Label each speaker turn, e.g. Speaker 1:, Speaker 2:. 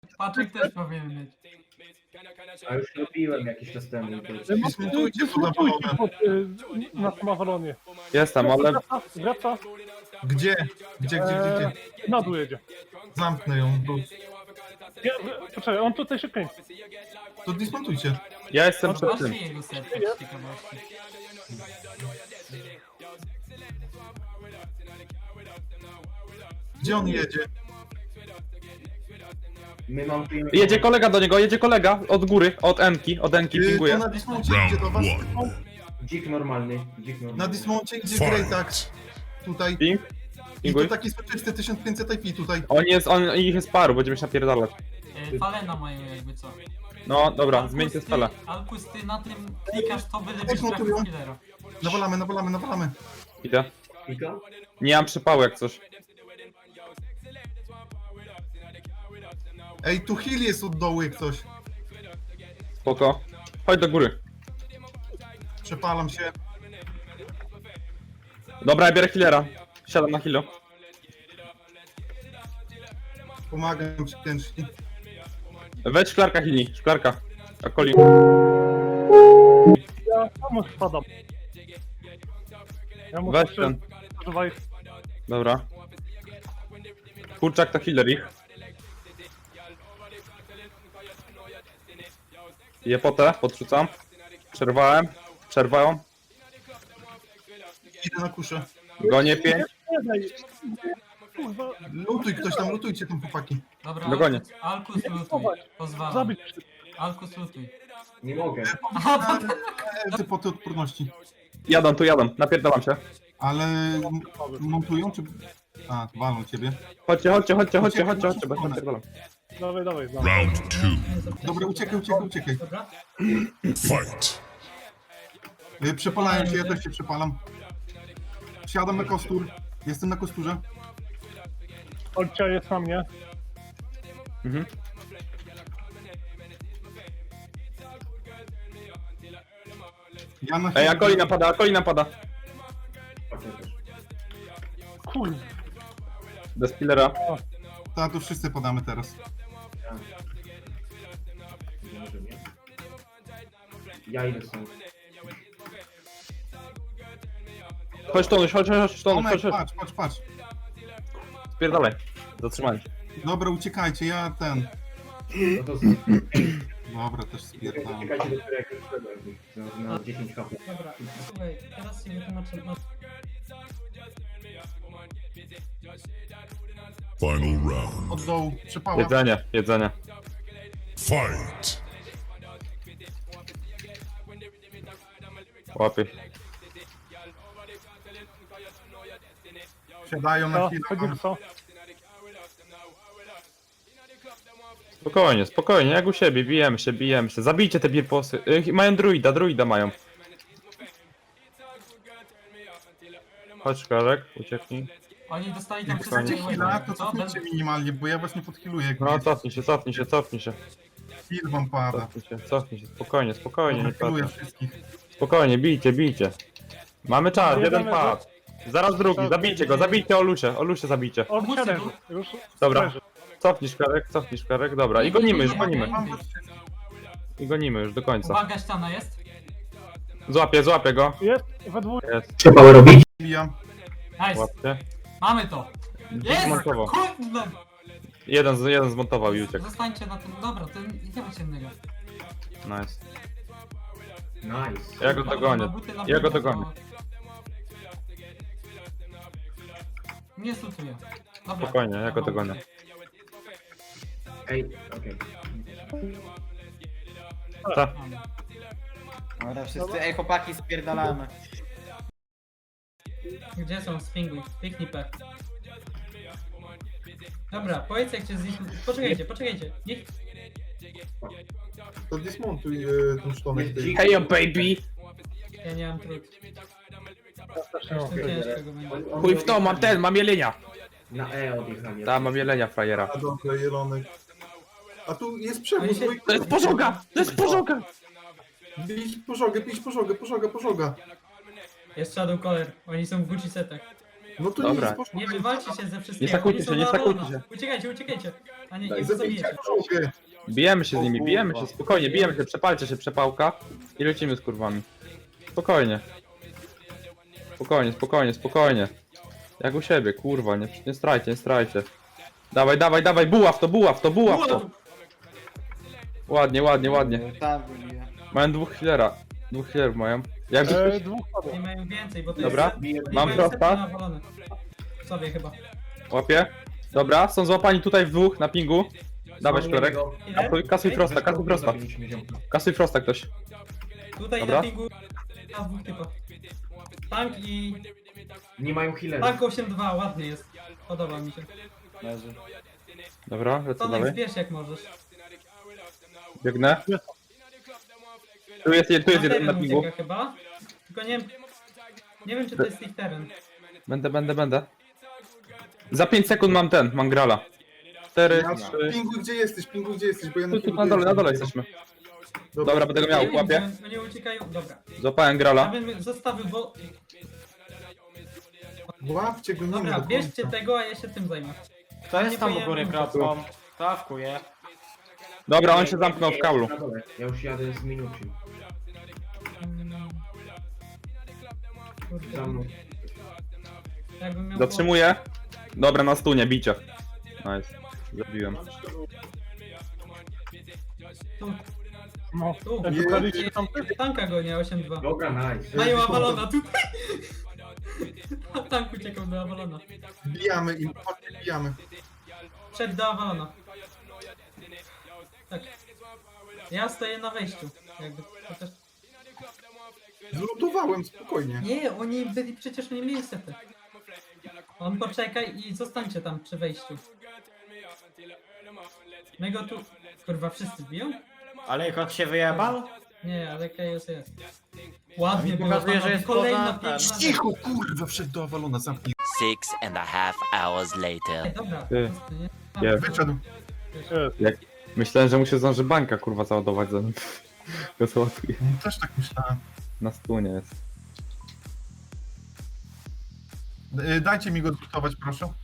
Speaker 1: Paczek też powinien mieć.
Speaker 2: A już robiłem jakiś czas temu.
Speaker 3: Dysmontujcie tu na balonę.
Speaker 4: Na samowalonie.
Speaker 5: Jestem, ale...
Speaker 4: Wraca.
Speaker 3: Gdzie? Gdzie?
Speaker 4: Na dół jedzie.
Speaker 3: Zamknę ją.
Speaker 4: Poczekaj, on tutaj się kręci.
Speaker 3: To dismontujcie.
Speaker 5: Ja jestem przed tym.
Speaker 1: Patrzcie jego setkę z ciekawości.
Speaker 3: Gdzie on jedzie?
Speaker 2: My montujemy...
Speaker 5: Jedzie kolega do niego, jedzie kolega od góry, od Enki
Speaker 3: To
Speaker 5: pinguje.
Speaker 3: na dismoncie idzie do was.
Speaker 2: Dzik normalny.
Speaker 3: Na dismoncie idzie Greytack. Tutaj.
Speaker 5: Ping?
Speaker 3: I
Speaker 5: Pinguj.
Speaker 3: to taki soczysty 1500 IP tutaj.
Speaker 5: Ich jest paru, będziemy się napierdalać.
Speaker 1: Falena mają jakby co.
Speaker 5: No dobra, zmieńcie spele.
Speaker 1: Alkus, ty na tym klikasz to byle byś
Speaker 3: Montują.
Speaker 1: trafił killera.
Speaker 3: Nawalamy.
Speaker 5: Idę.
Speaker 2: Pika?
Speaker 5: Nie mam przypału jak coś.
Speaker 3: Ej, tu heal jest od dołu jak coś.
Speaker 5: Spoko. Chodź do góry.
Speaker 3: Przepalam się.
Speaker 5: Dobra, ja biorę healera. Siadam na healu.
Speaker 3: Pomagam ci ciężki.
Speaker 5: Weź szklarka heali, szklarka. Akoli.
Speaker 4: Ja sam spadam. Ja muszę
Speaker 5: Weź ten.
Speaker 4: używać.
Speaker 5: Dobra. Kurczak to healer ich. Jepotę, podrzucam. Przerwałem.
Speaker 3: Idę na kuszę.
Speaker 5: Gonię 5.
Speaker 4: Nie daj. Kurwa,
Speaker 3: Lutuj ktoś tam, lutujcie tam chłopaki.
Speaker 1: Dobra,
Speaker 5: Dogonię.
Speaker 1: Alkus lutuj. Pozwalam.
Speaker 4: zabić.
Speaker 1: Alkus lutuj.
Speaker 2: Nie mogę.
Speaker 3: Ty po tej odporności.
Speaker 5: Jadą, napierdalam się.
Speaker 3: Ale montują czy... A, walą ciebie.
Speaker 5: Chodźcie, bo się napierdalam.
Speaker 4: Dawaj.
Speaker 6: Round two.
Speaker 3: Dobra, uciekaj.
Speaker 1: Dobra?
Speaker 6: Fight.
Speaker 3: Przepalają się, ja też się przepalam. Wsiadam na kostur. Jestem na kosturze.
Speaker 4: Olcia jest na mnie.
Speaker 5: Mhm.
Speaker 3: Ja na
Speaker 5: Ej, Akoli napada.
Speaker 4: Kurwa.
Speaker 5: Bez killera.
Speaker 3: Tak, to wszyscy podamy teraz.
Speaker 2: Może nie. Ja idę stąd.
Speaker 5: Chodź Tonuś, chodź.
Speaker 3: Tomek, patrz.
Speaker 5: Spierdalaj. Zatrzymaj.
Speaker 3: Dobra, uciekajcie, ja ten...
Speaker 2: No to
Speaker 3: Dobra, też spierdalam.
Speaker 2: czekajcie do którego już wszedłem. Na 10 HP.
Speaker 1: Dobra, słuchaj, teraz się wytłumaczę. No,
Speaker 6: Final round.
Speaker 3: Od dołu, przepała.
Speaker 5: Jedzenie.
Speaker 6: Fight.
Speaker 5: Łapie.
Speaker 3: Siadają na
Speaker 4: To,
Speaker 3: chwilę.
Speaker 4: chodzimy co?
Speaker 5: Spokojnie, jak u siebie, bijemy się. Zabijcie te birposy. Mają druida mają. Chodź szklarek, ucieknij.
Speaker 1: oni dostali tam
Speaker 5: Fajnie.
Speaker 1: wszystkie
Speaker 3: Chwila, to
Speaker 1: co?
Speaker 3: cofnijcie minimalnie, bo ja was nie podkiluję. jak
Speaker 5: No
Speaker 3: wiecie.
Speaker 5: cofnij się.
Speaker 3: Heal wam pada.
Speaker 5: Cofnij się. Spokojnie, nie
Speaker 3: Podkiluję
Speaker 5: patrz.
Speaker 3: wszystkich.
Speaker 5: Spokojnie, bijcie. Mamy czas, jeden pad. Zaraz drugi, zabijcie Olusie zabijcie.
Speaker 4: On siadaj. Już
Speaker 5: Dobra.
Speaker 4: leży.
Speaker 5: Cofnij szklarek, dobra. I gonimy już.
Speaker 3: Mam was
Speaker 5: I gonimy już do końca.
Speaker 1: Uwaga, ściana jest.
Speaker 5: Złapię go.
Speaker 4: Jest, we dwóch.
Speaker 5: Jest,
Speaker 2: Trzeba robić?
Speaker 3: Bijam.
Speaker 1: Nice,
Speaker 5: łapcie.
Speaker 1: mamy to. Jest!
Speaker 5: Zmontował.
Speaker 1: Kurde!
Speaker 5: Jeden zmontował i uciekł.
Speaker 1: Zostańcie na tym, dobra, to nie ma ciemnego.
Speaker 5: Nice.
Speaker 2: Nice.
Speaker 5: Ja go dogonię. Ja go dogonię.
Speaker 1: Nie slutuję. Dobra.
Speaker 5: Spokojnie, ja go dogonię.
Speaker 2: Ej, okej.
Speaker 5: Ta.
Speaker 7: Dobra, wszyscy, ej chłopaki, spierdalamy.
Speaker 1: Gdzie są spinguj? Piknij pech. Dobra, powiedz jak cię poczekajcie. Niech...
Speaker 3: To dismontuj ten sztonek.
Speaker 2: Dzik-
Speaker 5: Hey yo baby!
Speaker 1: Ja nie mam trud.
Speaker 4: Też nie mam.
Speaker 1: To ciężko go będzie.
Speaker 5: Chuj w to, mam jelenia.
Speaker 2: Na E odjechali.
Speaker 5: Ta, mam jelenia frajera.
Speaker 3: A dobra, jelonek. A tu jest
Speaker 1: Oni
Speaker 3: przewóz.
Speaker 1: się-
Speaker 5: To jest pożoga!
Speaker 3: Pisz pożogę.
Speaker 1: Jest Shadow Caller, oni są w Gucci setach.
Speaker 3: No to
Speaker 5: Dobra.
Speaker 3: nic, poszło.
Speaker 1: Nie wywalcie się ze wszystkiego.
Speaker 5: Nie sakujcie
Speaker 1: oni są
Speaker 5: się, nie
Speaker 1: na
Speaker 5: sakujcie
Speaker 1: wolno.
Speaker 5: się.
Speaker 1: Uciekajcie, uciekajcie. A nie,
Speaker 3: Daj,
Speaker 1: nie
Speaker 3: zabijcie
Speaker 1: zabijecie.
Speaker 3: czołgę.
Speaker 5: Bijemy się z
Speaker 7: O
Speaker 5: nimi, bijemy
Speaker 7: kurwa.
Speaker 5: się, spokojnie, bijemy się, przepalcie się, przepałka i lecimy z kurwami. Spokojnie. Spokojnie, spokojnie, spokojnie. Jak u siebie, kurwa, nie strajcie, nie strajcie. Dawaj, dawaj, dawaj, buław to, buław to, buław to. Ładnie, ładnie, ładnie.
Speaker 7: Tam wybiję.
Speaker 5: Mają dwóch healera. Dwóch healerów mają. Jakby ktoś...
Speaker 4: Dwóch
Speaker 1: Nie
Speaker 4: padło.
Speaker 1: mają więcej, bo to
Speaker 5: Dobra,
Speaker 1: jest...
Speaker 5: mam
Speaker 1: mają
Speaker 5: prosta.
Speaker 1: setki nawalone. Sobie chyba.
Speaker 5: Łapie. Dobra, są złapani tutaj w dwóch na pingu. Dawaj szklerek.
Speaker 1: Ile?
Speaker 5: Kasuj Frosta, kasuj Frosta. Kasuj Frosta ktoś.
Speaker 1: Tutaj
Speaker 5: Dobra.
Speaker 1: na pingu... A dwóch typa. Tank i...
Speaker 2: Nie mają healera.
Speaker 1: Tank 8-2, ładnie jest. Podoba mi się.
Speaker 7: Leży.
Speaker 5: Dobra, lecę
Speaker 1: Tonek,
Speaker 5: dalej.
Speaker 1: zbierz jak możesz.
Speaker 5: Biegnę. Tu jest jeden na
Speaker 1: teren
Speaker 5: pingu.
Speaker 1: ucieka chyba. Tylko nie wiem czy to jest ich teren.
Speaker 5: Będę. Za 5 sekund mam grala. 4,
Speaker 3: Ja,
Speaker 5: 3.
Speaker 3: Pingu, gdzie jesteś, bo ja
Speaker 5: Tu na dole jesteśmy. Dobra, będę go miał,
Speaker 1: Nie wiem,
Speaker 5: łapię.
Speaker 1: czy oni uciekają. Dobra.
Speaker 5: Złapałem
Speaker 1: Ja
Speaker 5: grala.
Speaker 1: bym zostawił, bo...
Speaker 3: Łapcie go, nie
Speaker 1: Dobra,
Speaker 3: ma do
Speaker 1: bierzcie
Speaker 3: końca.
Speaker 1: tego, a ja się tym zajmę.
Speaker 7: Kto jest tam u
Speaker 1: Nie
Speaker 7: góry
Speaker 1: pojem-
Speaker 7: kropką? Kto awkuje?
Speaker 5: Dobra, on się zamknął w kaulu.
Speaker 2: Na dole. Ja już jadę z minuty.
Speaker 1: Kurde,
Speaker 2: Za mną.
Speaker 1: jakbym miał
Speaker 5: Zatrzymuję. Dobra, na stunie, bicie. Nice. Zabiłem.
Speaker 4: No,
Speaker 1: Tu.
Speaker 4: jak
Speaker 3: Nie,
Speaker 4: wybraliście tam
Speaker 1: Tanka go nie 8-2.
Speaker 2: Dobra, nice.
Speaker 1: Mają Avalona tutaj. A tank uciekał do Avalona.
Speaker 3: Bijamy im, chodźcie, bijamy.
Speaker 1: Przed do Avalona. Tak. Ja stoję na wejściu. Jakby chociaż...
Speaker 3: Zlutowałem, spokojnie.
Speaker 1: Nie, oni byli przecież nie mieli sety. On poczekaj i zostańcie tam przy wejściu. My go tu... Kurwa, wszyscy biją?
Speaker 7: Ale kot się wyjebał?
Speaker 1: Nie, ale Chaos jest. Ładnie
Speaker 7: Mi
Speaker 1: było,
Speaker 7: pokazuje, że
Speaker 1: panowie.
Speaker 7: jest
Speaker 1: Kolejna
Speaker 7: poza-
Speaker 1: piękna...
Speaker 3: Cicho, kurwa, wszedł do Avalona, zamknij.
Speaker 8: 6.5 hours later.
Speaker 1: Ej, dobra,
Speaker 5: Ty.
Speaker 1: po prostu, nie?
Speaker 5: Nie.
Speaker 3: Wyszedł.
Speaker 5: Myślałem, że mu się zdąży bańka kurwa załadować zanim go załatwię.
Speaker 3: Też tak myślałem.
Speaker 5: Na stunie jest.
Speaker 3: Dajcie mi go zlutować, proszę.